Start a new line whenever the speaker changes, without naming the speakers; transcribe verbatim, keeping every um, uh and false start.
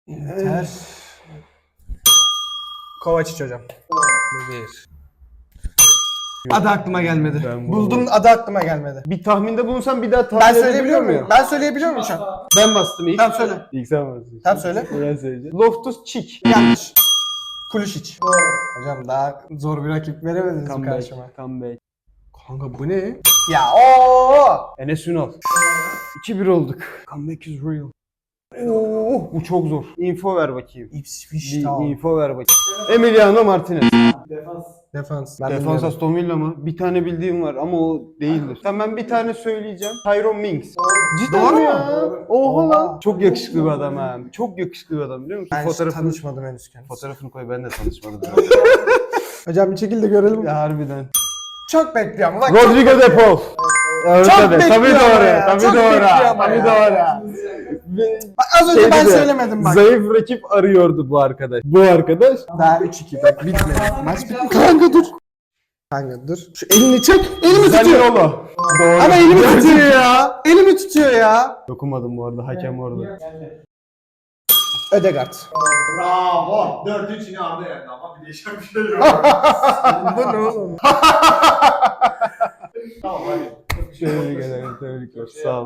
Inter. Kovacic hocam.
Bu bir.
Adı aklıma gelmedi.
Ben
Buldum, adı aklıma gelmedi.
Bir tahminde bulunsam bir daha tahmin
Ben
edebiliyor
söyleyebiliyor muyum?
muyum?
Ben söyleyebiliyor muyum şu an?
Ben bastım ilk.
Tamam söyle.
İlk sen bastın.
Tamam söyle.
Ben söyleyeceğim. Loftus-Cheek.
Yanlış. Kulisic. Hocam daha zor bir rakip veremediniz mi karşıma?
Comeback. Comeback. Kanka bu ne?
Ya ooo.
Enes Ünal. iki bir olduk. Comeback is real. Oo, bu çok zor. Info ver bakayım.
Ipswich
Bir
Town.
info ver bakayım. Emiliano Martinez.
Defans. Ben
Defans
bilmiyorum.
Aston Villa mı? Bir tane bildiğim var ama o değildir. Tamam ben bir tane söyleyeceğim. Tyrone Mings. Cidden
Doğru
mi
mu?
ya? Oha lan. Çok yakışıklı bir adam ha. Çok yakışıklı bir adam biliyor musun?
Ben hiç
Fotoğrafını,
tanışmadım henüz kendisi.
fotoğrafını koy ben de tanışmadım.
Hocam bir çekil de görelim.
Ya harbiden.
Çok bekliyorum. Bak,
Rodrigo
çok
de Paul. Evet,
Çok
tabii, tabii
bekliyor ama
doğru.
ya,
Tabii
çok
doğru.
bekliyor ama
Tabii
ya.
doğru.
Bak, az önce
Şeydi
ben
de,
söylemedim bak.
Zayıf rakip arıyordu bu arkadaş. Bu arkadaş.
Daha üç iki bak bitmedi. Maç bitmedi. Kanka dur. Kanka dur. Şu elini çek. Elimi tutuyor.
Zaniolo. Doğru.
Ama elimi tutuyor ya. Elimi tutuyor ya.
Dokunmadım bu arada. Hakem orada.
Ödegaard.
Bravo. dört üç yine Arda yendi ama bir değişen bir şey yok.
Bu ne oğlum?
Tamam hadi.
Şöyle bir gelelim. Tebrikler. Sağ ol.